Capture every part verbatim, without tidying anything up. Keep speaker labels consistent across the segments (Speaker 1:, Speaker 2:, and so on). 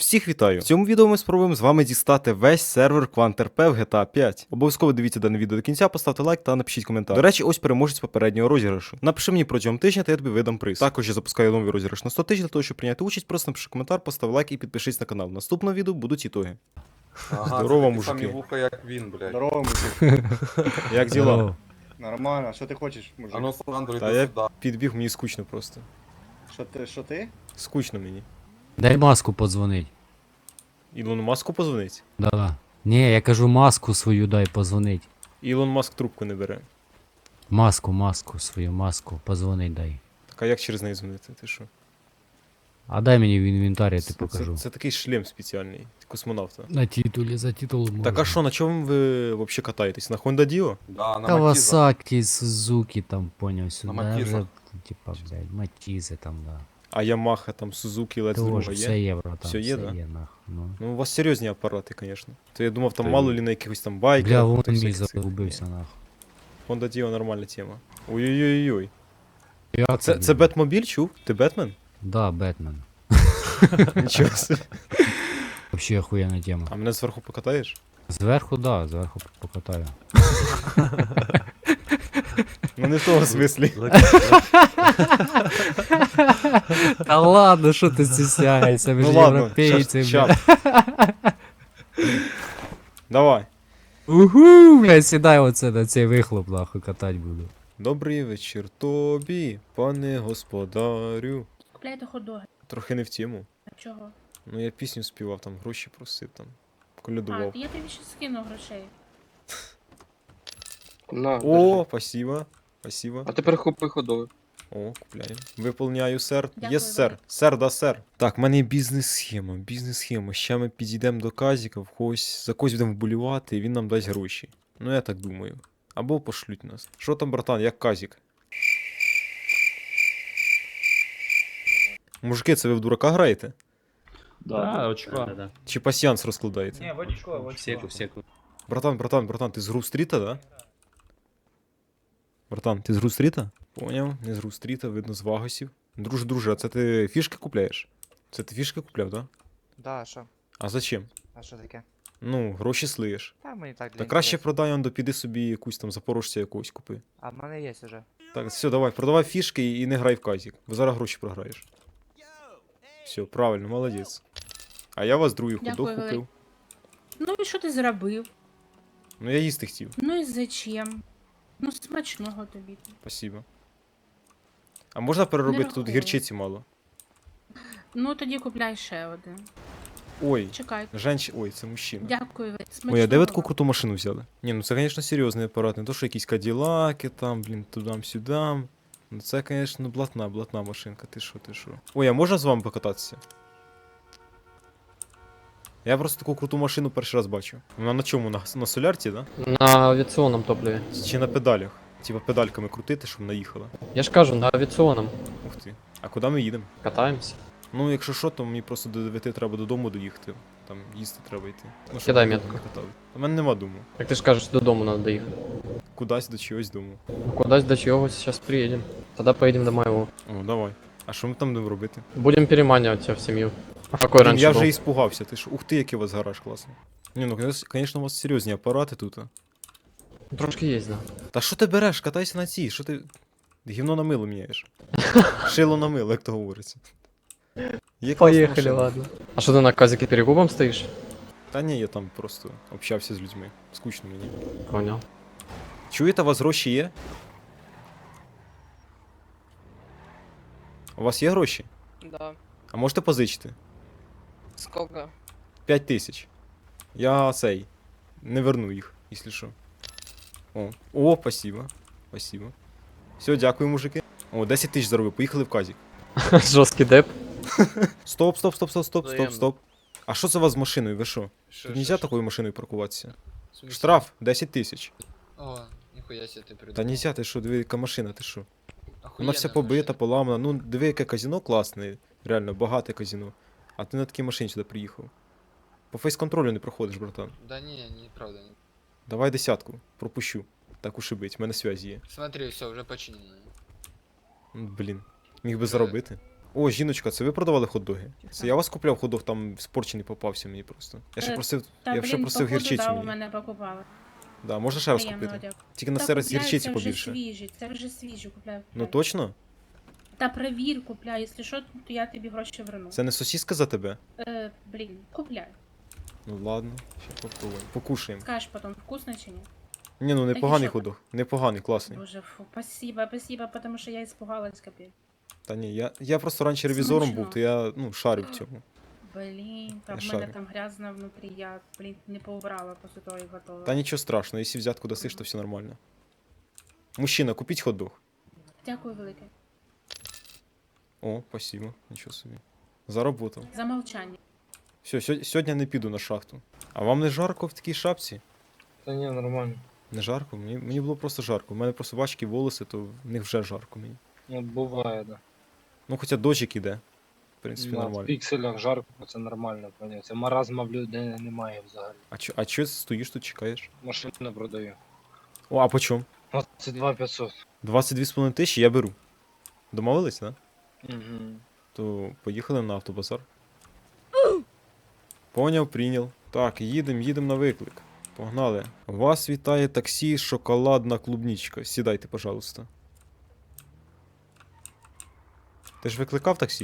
Speaker 1: Всіх вітаю! В цьому відео ми спробуємо з вами дістати весь сервер QuantRP в джі ті ей п'ять. Обов'язково дивіться дане відео до кінця, поставте лайк та напишіть коментар. До речі, ось переможець попереднього розіграшу. Напиши мені протягом тижня, та я тобі видам приз. Також я запускаю новий розіграш на сто тисяч, для того, щоб прийняти участь, просто напиши коментар, постав лайк і підпишись на канал. В наступному відео будуть ітоги.
Speaker 2: Ага,
Speaker 1: Здорово,
Speaker 2: це такі
Speaker 1: мужики.
Speaker 2: самі вуха, як він, блядь.
Speaker 3: Здорово, мужик.
Speaker 1: Як діла?
Speaker 3: Нормально, що ти хочеш, мужик?
Speaker 2: А ну, Сандро,
Speaker 1: Та
Speaker 2: йди
Speaker 1: я
Speaker 2: сюди.
Speaker 1: підбіг, мені скучно просто.
Speaker 3: Що ти, що ти?
Speaker 1: Скучно мені.
Speaker 4: Дай маску подзвонить.
Speaker 1: Ілону Маску позвонить?
Speaker 4: Да. Ні, я кажу маску свою дай позвонить.
Speaker 1: Ілон Маск трубку не бере.
Speaker 4: Маску, маску свою, маску, позвонить дай.
Speaker 1: Так а як через неї дзвонити? Ти що?
Speaker 4: А дай мені в інвентарі, я
Speaker 1: Це,
Speaker 4: ти покажу.
Speaker 1: це, це такий шлем спеціальний, космонавта.
Speaker 4: На титулі, за титул можна.
Speaker 1: Так а що, на чому ви взагалі катаєтесь? На Honda Dio?
Speaker 2: Да, на Матіза.
Speaker 4: Кавасакі, Сузуки там, поняв, сюди.
Speaker 2: Матізах.
Speaker 4: Вже, типа, блядь, Матізи там, да.
Speaker 1: А Yamaha, там, Suzuki, Let's
Speaker 4: Тож,
Speaker 1: Druga
Speaker 4: все
Speaker 1: є?
Speaker 4: є, братан,
Speaker 1: Все є, да?
Speaker 4: є, нах. Ну.
Speaker 1: Ну, у вас серйозні апарати, звісно. То я думав, там
Speaker 2: Та
Speaker 1: мало
Speaker 2: ні.
Speaker 1: ли на якихось там байках.
Speaker 4: Бля, вон
Speaker 1: там
Speaker 4: мій
Speaker 1: всяких цих.
Speaker 4: загубився, нах.
Speaker 1: Ні. Honda Dio нормальна тема. Ой-ой-ой-ой.
Speaker 4: Як
Speaker 1: Це,
Speaker 4: тобі?
Speaker 1: це Бетмобіль, чув? Ти Бетмен?
Speaker 4: Да, Бетмен.
Speaker 1: Нічого собі.
Speaker 4: Вообще охуєнна тема.
Speaker 1: А мене зверху покатаєш?
Speaker 4: Зверху, да, зверху покатаю.
Speaker 1: Ну не в тому смислі.
Speaker 4: Та ладно, що ти стісняєшся, ми
Speaker 1: Ну
Speaker 4: ж
Speaker 1: ладно,
Speaker 4: європейці,
Speaker 1: щас,
Speaker 4: бля.
Speaker 1: щас. Давай.
Speaker 4: Уху, бля, сідай оце на цей вихлоп, нахуй, катать буду.
Speaker 1: Добрий вечір тобі, пане господарю.
Speaker 5: Купляйте хот-доги.
Speaker 1: Трохи не в тему.
Speaker 5: А чого?
Speaker 1: Ну я пісню співав, там гроші просив, там.
Speaker 5: А,
Speaker 1: Колядував.
Speaker 5: я тобі ще скину грошей.
Speaker 6: На,
Speaker 1: О,
Speaker 6: держи.
Speaker 1: спасибо. Спасибо.
Speaker 6: А тепер купи ходовий.
Speaker 1: О, купляємо. Виповняю, сер.
Speaker 5: Дякую,
Speaker 1: Єс, сер.
Speaker 5: Валерій.
Speaker 1: Сер, да, сер. Так, в мене є бізнес-схема, бізнес-схема. Ще ми підійдемо до Казіка, в когось, за когось будемо вболівати, і він нам дасть гроші. Ну, я так думаю. Або пошлють нас. Що там, братан, як Казік? Мужики, це ви в дурака граєте?
Speaker 7: Да, очко.
Speaker 1: Чи пасьянс розкладаєте?
Speaker 7: Не, в очко, в очко. Секу, секу.
Speaker 1: Братан, братан, братан, ти з Грув-стріта, да? Братан, ти з Грув-стріта? Поняв, не з Грув-стріта, видно з Вагосів. Друже, друже, а це ти фішки купляєш? Це ти фішки купляв, да?
Speaker 8: Да, що?
Speaker 1: А зачем?
Speaker 8: А що таке?
Speaker 1: Ну, гроші слиєш.
Speaker 8: Та мені так для
Speaker 1: Та краще
Speaker 8: інтересу.
Speaker 1: продай, он піди собі якусь там запорожця якогось купи.
Speaker 8: А в мене є уже.
Speaker 1: Так, все, давай, продавай фішки і не грай в казік, бо зараз гроші програєш. Все, правильно, молодець. А я вас другий
Speaker 5: Дякую,
Speaker 1: ходок
Speaker 5: Валерій.
Speaker 1: купив.
Speaker 5: Ну і що ти зробив?
Speaker 1: Ну я їсти хотів.
Speaker 5: Ну і зачем? Ну смачного тобі.
Speaker 1: Спасибо. А можна переробити тут
Speaker 5: рахую.
Speaker 1: гірчиці мало?
Speaker 5: Ну тоді купляй ще один.
Speaker 1: Ой,
Speaker 5: Чекай.
Speaker 1: женщ... Ой, це мужчина.
Speaker 5: Дякую. Смачного.
Speaker 1: Ой, а де ви таку
Speaker 5: вам.
Speaker 1: круту машину взяли? Ні, ну це, звісно, серйозний апарат, не то, що якісь каділаки там, блін, тудам-сюдам. Ну це, звісно, блатна, блатна машинка, ти що, ти що. Ой, а можна з вами покататися? Я просто таку круту машину перший раз бачу. Вона на чому? На, на солярці, да?
Speaker 6: На авіаційному топливі.
Speaker 1: Чи на педалях? Типа педальками крутити, щоб наїхала.
Speaker 6: Я ж кажу, на авіаційному.
Speaker 1: Ух ти. А куди ми їдемо?
Speaker 6: Катаємося.
Speaker 1: Ну, якщо що, то мені просто до дев'яти треба додому доїхати. Там їсти треба йти. Ну, щоб
Speaker 6: Кидай
Speaker 1: ми
Speaker 6: метку.
Speaker 1: не катали. У мене нема дому.
Speaker 6: Як ти ж кажеш, додому треба доїхати.
Speaker 1: Кудись до чогось дому.
Speaker 6: Ну, кудись до чогось, зараз приїдемо. Тоді поїдемо до моєго.
Speaker 1: О, давай. А що ми там будемо робити?
Speaker 6: Будемо переманювати тебе в сім'ю. А какой
Speaker 1: Блін,
Speaker 6: раніше
Speaker 1: я
Speaker 6: був?
Speaker 1: вже іспугався, ти ж. Ух ти, який у вас гараж класний. Ні, ну, звісно, у вас серйозні апарати тут. а.
Speaker 6: Трошки є, да.
Speaker 1: Та що ти береш? Катайся на цій, що ти. Гівно на мило міняєш. Шило на мило, як то говориться. Є класна
Speaker 6: Поїхали,
Speaker 1: машина.
Speaker 6: ладно. А що ти на казіки перекупом стоїш?
Speaker 1: Та ні, я там просто общався з людьми. Скучно мені.
Speaker 6: Понял.
Speaker 1: Чуєте, у вас гроші є? У вас є гроші?
Speaker 9: Да.
Speaker 1: А можете позичити?
Speaker 9: Сколько?
Speaker 1: П'ять тисяч. Я цей. Не верну їх, якщо що. О, о, спасибо. Спасибо. Все, дякую, мужики. О, десять тисяч заробив, поїхали в казік.
Speaker 6: Жорсткий деп.
Speaker 1: Стоп, стоп, стоп, стоп, стоп, стоп,
Speaker 9: Взаємно.
Speaker 1: стоп. А що це у вас з машиною? Ви що?
Speaker 9: Шо,
Speaker 1: Тут
Speaker 9: шо,
Speaker 1: нельзя
Speaker 9: шо?
Speaker 1: такою машиною паркуватися.
Speaker 9: В смысле?
Speaker 1: Штраф десять тисяч.
Speaker 9: О, ніхуя себе ти придумав.
Speaker 1: Та нельзя, ти що, диви, яка машина, ти що? Вона
Speaker 9: Охуєнна
Speaker 1: вся побита,
Speaker 9: машина.
Speaker 1: поламана. Ну, диви, яке казино класне, реально, багате казино. А ти на такій машині сюди приїхав. По фейс-контролю не проходиш, братан.
Speaker 9: Да не, не, правда. Не.
Speaker 1: Давай десятку, пропущу. Так уж і бить, в мене связі є.
Speaker 9: Смотри, все, вже починено.
Speaker 1: Ну, блін. Міг би
Speaker 9: Вже-
Speaker 1: заробити. О, жіночка, це ви продавали хот-доги? Це я вас купляв хот-дог, там спорчений попався мені просто. Я ще
Speaker 5: Е,
Speaker 1: просив,
Speaker 5: Та,
Speaker 1: я ще
Speaker 5: блін,
Speaker 1: просив
Speaker 5: походу,
Speaker 1: гірчицю
Speaker 5: да, у
Speaker 1: мені.
Speaker 5: мене покупали.
Speaker 1: Да, можна ще раз
Speaker 5: Приємного
Speaker 1: купити.
Speaker 5: дякую.
Speaker 1: Тільки на
Speaker 5: Та
Speaker 1: цей раз
Speaker 5: купляй,
Speaker 1: гірчиці
Speaker 5: це вже
Speaker 1: побільше.
Speaker 5: свіжі, це вже свіжі, купляй.
Speaker 1: Ну
Speaker 5: купляй.
Speaker 1: точно?
Speaker 5: Та перевір, купляй, якщо що, то я тобі гроші верну.
Speaker 1: Це не сосиска за тебе?
Speaker 5: Е, блін, купляй.
Speaker 1: Ну ладно, ще попробуємо. Покушаємо.
Speaker 5: Скажеш потім, вкусно чи ні?
Speaker 1: Ні, ну непоганий
Speaker 5: що?
Speaker 1: хот-дог. Непоганий, класний.
Speaker 5: Боже, фу, спасибо, спасибо, потому що я испугалась, капець.
Speaker 1: Та ні, я, я просто раніше ревізором
Speaker 5: Смачно.
Speaker 1: був, то я ну, шарив в цьому.
Speaker 5: Блін, та
Speaker 1: Я
Speaker 5: в мене
Speaker 1: шарю.
Speaker 5: там грязно внутрі, я, блін, не поубрала після того, як готова.
Speaker 1: Та нічого страшного, якщо взятку дасиш, то все нормально. Мужчина, купіть хот-дог.
Speaker 5: Дякую велике.
Speaker 1: О, спасибо, нічого собі. Заработав.
Speaker 5: За мовчання.
Speaker 1: Все, сьогодні не піду на шахту. А вам не жарко в такій шапці?
Speaker 6: Да не, нормально.
Speaker 1: Не жарко? Мені, мені було просто жарко. У мене просто важкі волоси, то в них вже жарко мені.
Speaker 6: Ну, буває, да.
Speaker 1: Ну хоча дощик іде. В принципі,
Speaker 6: На
Speaker 1: нормально.
Speaker 6: пікселях жарко, це нормально, поняття. Маразма в людей немає взагалі.
Speaker 1: А чо, а чо стоїш тут, чекаєш?
Speaker 6: Машину продаю.
Speaker 1: О, а по чому?
Speaker 6: двадцять два п'ятсот.
Speaker 1: двадцять дві з половиною тисячі я беру. Домовились, да?
Speaker 6: Угу.
Speaker 1: То поїхали на автобазар. Поняв, прийняв. Так, їдемо, їдемо на виклик. Погнали. Вас вітає таксі шоколадна клубничка. Сідайте, пожалуйста. Ти ж викликав таксі?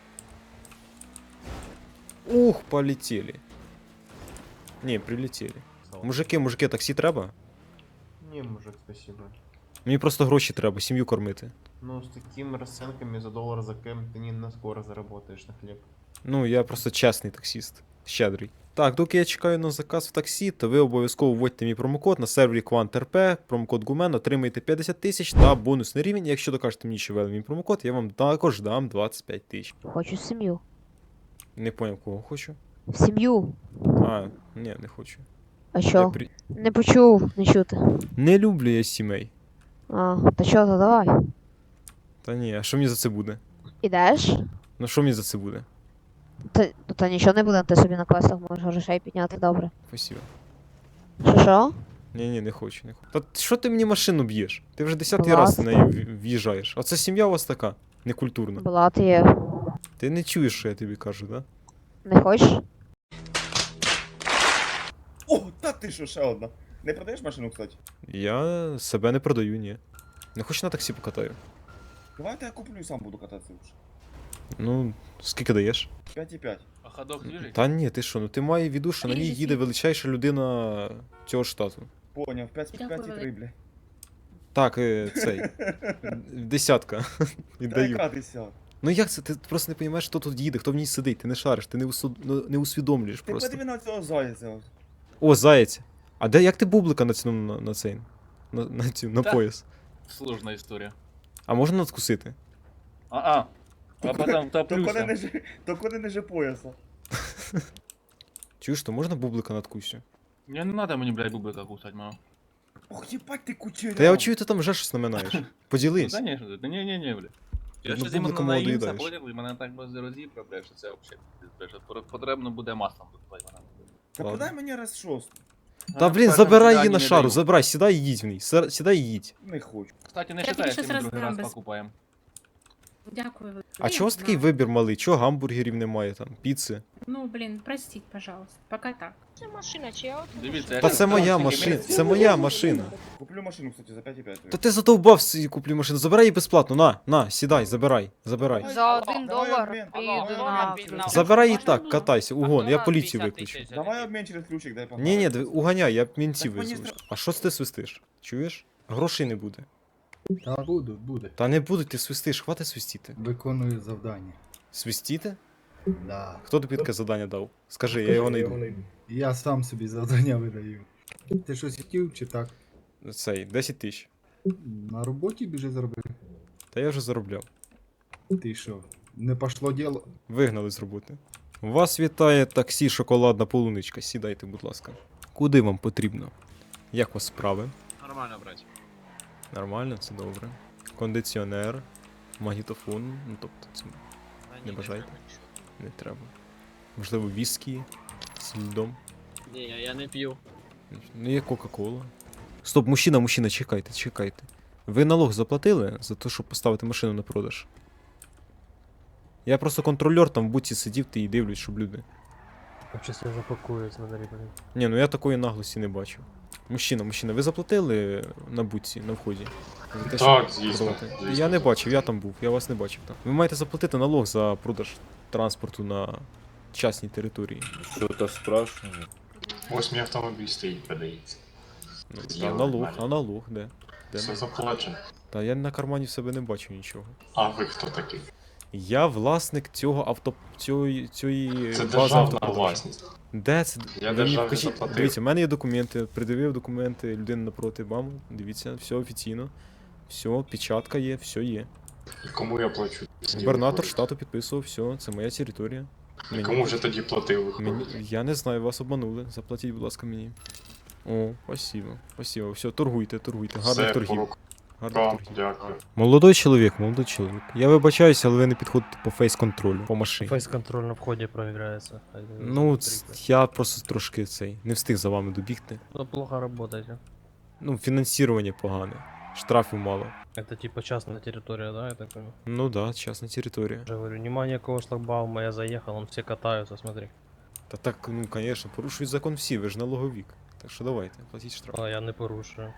Speaker 1: Ух, полетіли. Ні, прилетіли. Мужики, мужики, таксі треба?
Speaker 2: Ні, мужик, спасибо.
Speaker 1: Мені просто гроші треба, сім'ю кормити.
Speaker 2: Ну, з такими розценками за долар за кем ти не на скоро заработаєш на хліб.
Speaker 1: Ну, я просто чесний таксіст. Щедрий. Так, доки я чекаю на заказ в таксі, то ви обов'язково вводьте мій промокод на сервері QuantRP, промокод Гумен, отримаєте п'ятдесят тисяч та бонусний рівень. І якщо докажете мені, що ввели мій промокод, я вам також дам двадцять п'ять тисяч.
Speaker 10: Хочу сім'ю.
Speaker 1: Не поняв, кого хочу.
Speaker 10: Сім'ю.
Speaker 1: А, ні, не хочу.
Speaker 10: А
Speaker 1: Я
Speaker 10: що?
Speaker 1: при...
Speaker 10: Не почув, не чути.
Speaker 1: Не люблю я сімей.
Speaker 10: А, та що, то давай.
Speaker 1: Та ні, а що мені за це буде?
Speaker 10: Ідеш?
Speaker 1: Ну що мені за це буде?
Speaker 10: Та, та нічого не буде, ти собі на квестах можеш грошей підняти, добре.
Speaker 1: Спасибо.
Speaker 10: Що що?
Speaker 1: Ні, ні, не хочу, не хочу. Та що ти мені машину б'єш? Ти вже десятий
Speaker 10: Будь
Speaker 1: раз
Speaker 10: ласка.
Speaker 1: на неї в- в'їжджаєш. А це сім'я у вас така, некультурна.
Speaker 10: Була ти є.
Speaker 1: Ти не чуєш, що я тобі кажу, да?
Speaker 10: Не хочеш?
Speaker 3: О, та ти що, ще одна. Не продаєш машину, кстати?
Speaker 1: Я себе не продаю, ні. Не хочу на таксі покатаю.
Speaker 3: Давайте я куплю і сам буду кататися вже.
Speaker 1: Ну, скільки даєш?
Speaker 3: п'ять і п'ять.
Speaker 7: А ходок движить?
Speaker 1: Та ні, ти що, ну ти має в віду, що на ній
Speaker 5: Ріже
Speaker 1: їде
Speaker 5: світ.
Speaker 1: величайша людина цього штату.
Speaker 3: Поняв, п'ять і
Speaker 5: Дякую,
Speaker 3: три, бля.
Speaker 1: Так, е, цей. Десятка.
Speaker 3: Та
Speaker 1: Віддаю.
Speaker 3: яка десят?
Speaker 1: Ну як це? Ти просто не розумієш, хто тут їде, хто в ній сидить, ти не шариш, ти не, усу... ну, не усвідомлюєш
Speaker 3: Ти
Speaker 1: просто.
Speaker 3: подиви на цього зайця.
Speaker 1: О, заєць. А де як ти бублика натягнув на, на цей? На, на, цю, на
Speaker 7: Та.
Speaker 1: пояс?
Speaker 7: Сложная история.
Speaker 1: А можна надкусити?
Speaker 7: А-а. А потом
Speaker 3: То коли не
Speaker 7: топлюся.
Speaker 3: же, то коли не же пояса.
Speaker 1: Чуєш, то можна бублика надкусю?
Speaker 7: Мне не надо мне, блядь, бублика кусать, мама.
Speaker 3: Ох, їбать ти кучеряв.
Speaker 1: Та я чую, ти там вже щось наминаєш.
Speaker 7: Ну,
Speaker 1: Поділись.
Speaker 7: конечно, да не-не-не, блядь. Я
Speaker 1: Ну,
Speaker 7: ще зиму
Speaker 1: бублика молоду
Speaker 7: наївся,
Speaker 1: їдаєш.
Speaker 7: поняв, і мене так без розібра, блядь, що це взагалі, блядь, що пор- потрібно буде маслом випивати мене.
Speaker 3: Та
Speaker 1: Ладно.
Speaker 3: подай мені раз шосту.
Speaker 1: Та блін, забирай її на шару, забирай, сідай і їдь в ній. Сер- Сідай і їдь.
Speaker 3: Не хочу.
Speaker 7: Кстати, не
Speaker 5: Я
Speaker 7: считай,
Speaker 5: тобі
Speaker 7: якщо
Speaker 5: щось
Speaker 7: ми другий раз
Speaker 5: роздам без-
Speaker 7: покупаємо.
Speaker 5: Дякую велике.
Speaker 1: А
Speaker 5: Я
Speaker 1: чого у вас такий
Speaker 5: знаю.
Speaker 1: вибір малий? Чого гамбургерів немає там, піци?
Speaker 5: Ну, блін, простіть, пожалуйста. Пока так.
Speaker 10: Це машина, чи я
Speaker 7: Дивіться,
Speaker 1: Та
Speaker 7: яка
Speaker 1: це моя
Speaker 7: красива
Speaker 1: машина,
Speaker 7: місце.
Speaker 1: це моя машина.
Speaker 3: Куплю машину, кстати, за п'ять і п'ять.
Speaker 1: Та ти задовбав собі куплю машину, забирай її безплатно, на, на, сідай, забирай, забирай.
Speaker 10: За один
Speaker 3: Давай
Speaker 10: долар
Speaker 3: обмін.
Speaker 10: піду на...
Speaker 1: Забирай її так, катайся, угон, я поліцію виключу.
Speaker 3: Давай обмін через ключик, дай погнали.
Speaker 1: Ні, ні, диви, уганяй, я мінців
Speaker 3: Так мені
Speaker 1: визву. А що це ти свистиш? Чуєш? Грошей не буде.
Speaker 11: Та буду, буде.
Speaker 1: Та не будуть, ти свистиш, хватить свистіти.
Speaker 11: Виконую завдання.
Speaker 1: Свистіти?
Speaker 11: Да.
Speaker 1: Хто тобі таке завдання дав? Скажи, я його не йду.
Speaker 11: Я сам собі завдання видаю. Ти щось хотів чи так?
Speaker 1: Цей, десять тисяч.
Speaker 11: На роботі біжи заробив.
Speaker 1: Та я вже заробляв.
Speaker 11: Ти що? Не пошло діло.
Speaker 1: Вигнали з роботи. Вас вітає таксі шоколадна полуничка. Сідайте, будь ласка. Куди вам потрібно? Як у вас справи?
Speaker 7: Нормально, брать.
Speaker 1: Нормально, це добре. Кондиціонер, магнітофон, ну тобто це не бажаєте? Не треба. Можливо, віскі з льдом.
Speaker 7: Ні, я не п'ю.
Speaker 1: Ну, є Кока-Кола. Стоп, мужчина, мужчина, чекайте, чекайте. Ви налог заплатили за те, щоб поставити машину на продаж? Я просто контрольор там в буці сидів ти і дивлюсь, щоб люди.
Speaker 6: Вообще я запакую, смотри, блин.
Speaker 1: Ні, ну я такої наглості не бачив. Мужчина, мужчина, ви заплатили на буці на вході? За те,
Speaker 12: Так,
Speaker 1: щоб
Speaker 12: звісно,
Speaker 1: продавати?
Speaker 12: звісно.
Speaker 1: Я не бачив, я там був, я вас не бачив там. Ви маєте заплатити налог за продаж транспорту на частній території.
Speaker 12: Що-то спрашиваю. Ось мій автомобіль стоїть, продається.
Speaker 1: Ну, та,
Speaker 12: Зліва
Speaker 1: налог,
Speaker 12: від мене.
Speaker 1: а налог, де? де?
Speaker 12: Все заплачено.
Speaker 1: Та я на кармані в себе не бачу нічого.
Speaker 12: А ви хто такий?
Speaker 1: Я власник цього авто... цієї, цієї
Speaker 12: Це
Speaker 1: бази
Speaker 12: державна
Speaker 1: автопродажу.
Speaker 12: власність.
Speaker 1: Де це?
Speaker 12: Я
Speaker 1: Ви мені
Speaker 12: державі
Speaker 1: покажіть.
Speaker 12: заплатив.
Speaker 1: Дивіться, в мене є документи, придивив документи, людина напроти вам. Дивіться, все офіційно. Все, печатка є, все є.
Speaker 12: І кому я плачу?
Speaker 1: Губернатор штату підписував, все, це моя територія.
Speaker 12: І кому вже тоді платив
Speaker 1: мені,
Speaker 12: виходить?
Speaker 1: я не знаю, вас обманули. Заплатіть, будь ласка, мені. О, спасибо, спасибо. Все, торгуйте, торгуйте. Гарних
Speaker 12: Все,
Speaker 1: торгів.
Speaker 12: по
Speaker 1: Гарних
Speaker 12: рукам,
Speaker 1: торгів.
Speaker 12: дякую.
Speaker 1: Молодой чоловік, молодой чоловік. Я вибачаюся, але ви не підходите по фейс-контролю, по машині.
Speaker 6: Фейс-контроль на входе проиграется.
Speaker 1: Ну, ц- я просто трошки цей, не встиг за вами добігти.
Speaker 6: Ну, плохо работаете.
Speaker 1: Ну, фінансування погане. Штрафів мало.
Speaker 6: Это типа частная территория, да, я так понимаю?
Speaker 1: Ну да, частна територія.
Speaker 6: Я говорю, нема никакого шлагбаума, я заехал, он все катаются, смотри.
Speaker 1: Та так, ну, конечно, порушують закон всі, ви ж налоговік. Так що давайте, платіть штраф.
Speaker 6: А я не порушую.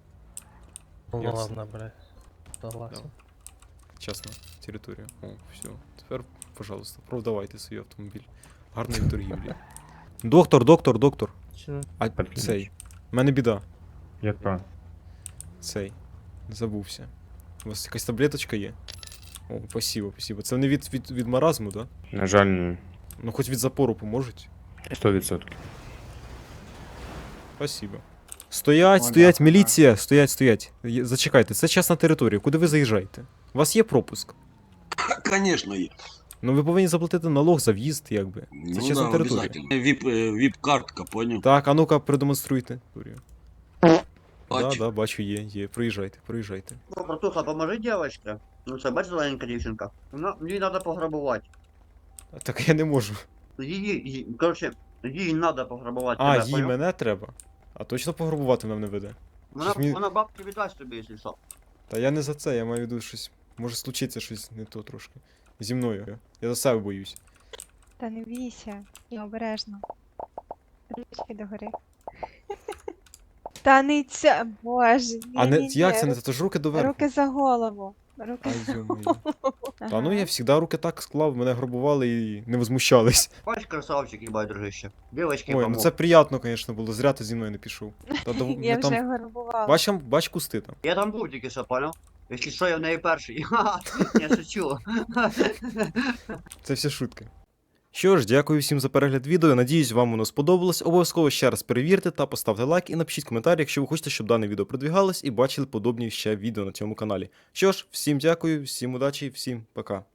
Speaker 6: Ну
Speaker 1: Ясно.
Speaker 6: ладно, блядь. Согласен.
Speaker 1: Частна територія. О, все. Тепер, пожалуйста, продавайте свій автомобіль. Гарної торгівлі. Доктор, доктор, доктор. А цей. У мене біда.
Speaker 12: Яка?
Speaker 1: Цей. Забувся. У вас якась таблеточка є? О, спасибо, спасибо. Це не від, від, від маразму, да?
Speaker 12: На жаль, ні.
Speaker 1: Ну хоч від запору поможуть.
Speaker 12: сто відсотків.
Speaker 1: Спасибо. Стоять, стоять, міліція, стоять, стоять. Є- Зачекайте, це частна територія. Куди ви заїжджаєте? У вас є пропуск?
Speaker 13: Конечно, є.
Speaker 1: Ну ви повинні заплатити налог за в'їзд, якби. Це
Speaker 13: Ну
Speaker 1: частна
Speaker 13: да,
Speaker 1: територія.
Speaker 13: обязательно. Віп, е, віп-картка, поняв?
Speaker 1: Так, а ну-ка, продемонструйте. Да,
Speaker 13: Бачу.
Speaker 1: да, бачу, є, є. Проїжджайте, проїжджайте.
Speaker 3: Братуха, поможи дівчинка. Ну це бач зелененька дівчинка. Вона, їй треба пограбувати.
Speaker 1: А так я не можу.
Speaker 3: Її, її, коротше, їй треба пограбувати
Speaker 1: А,
Speaker 3: тебе,
Speaker 1: їй
Speaker 3: поняв?
Speaker 1: мене треба. А точно пограбувати нам не веде.
Speaker 3: Вона,
Speaker 1: Щось мені-
Speaker 3: вона бабки віддасть тобі, якщо що.
Speaker 1: Та я не за це, я маю в виду щось. Може случиться щось не то трошки. Зі мною. Я за себе боюсь.
Speaker 10: Та не бійся, я обережно. Ручки догори. Та не це, боже.
Speaker 1: А не як це не це ж руки доверху.
Speaker 10: Руки за голову. Руки
Speaker 1: Ай,
Speaker 10: за
Speaker 1: ё-моё.
Speaker 10: голову.
Speaker 1: Та ну я завжди руки так склав, мене грабували і не возмущались.
Speaker 3: Бач, красавчик, їбать, дружище. Дівчинки,
Speaker 1: Ой, ну
Speaker 3: помог.
Speaker 1: це приємно, звісно, було. Зря ти зі мною не пішов. Та, до-
Speaker 10: Я
Speaker 1: ми там...
Speaker 10: вже горбувала.
Speaker 1: бач, там, бач кусти там.
Speaker 3: Я там був тільки що, поняв? Якщо що, я в неї перший. Я шучу.
Speaker 1: Це все шутки. Що ж, дякую всім за перегляд відео. Надіюсь, вам воно сподобалось. Обов'язково ще раз перевірте та поставте лайк і напишіть коментар, якщо ви хочете, щоб дане відео продвігалось і бачили подобні ще відео на цьому каналі. Що ж, всім дякую, всім удачі, всім пока.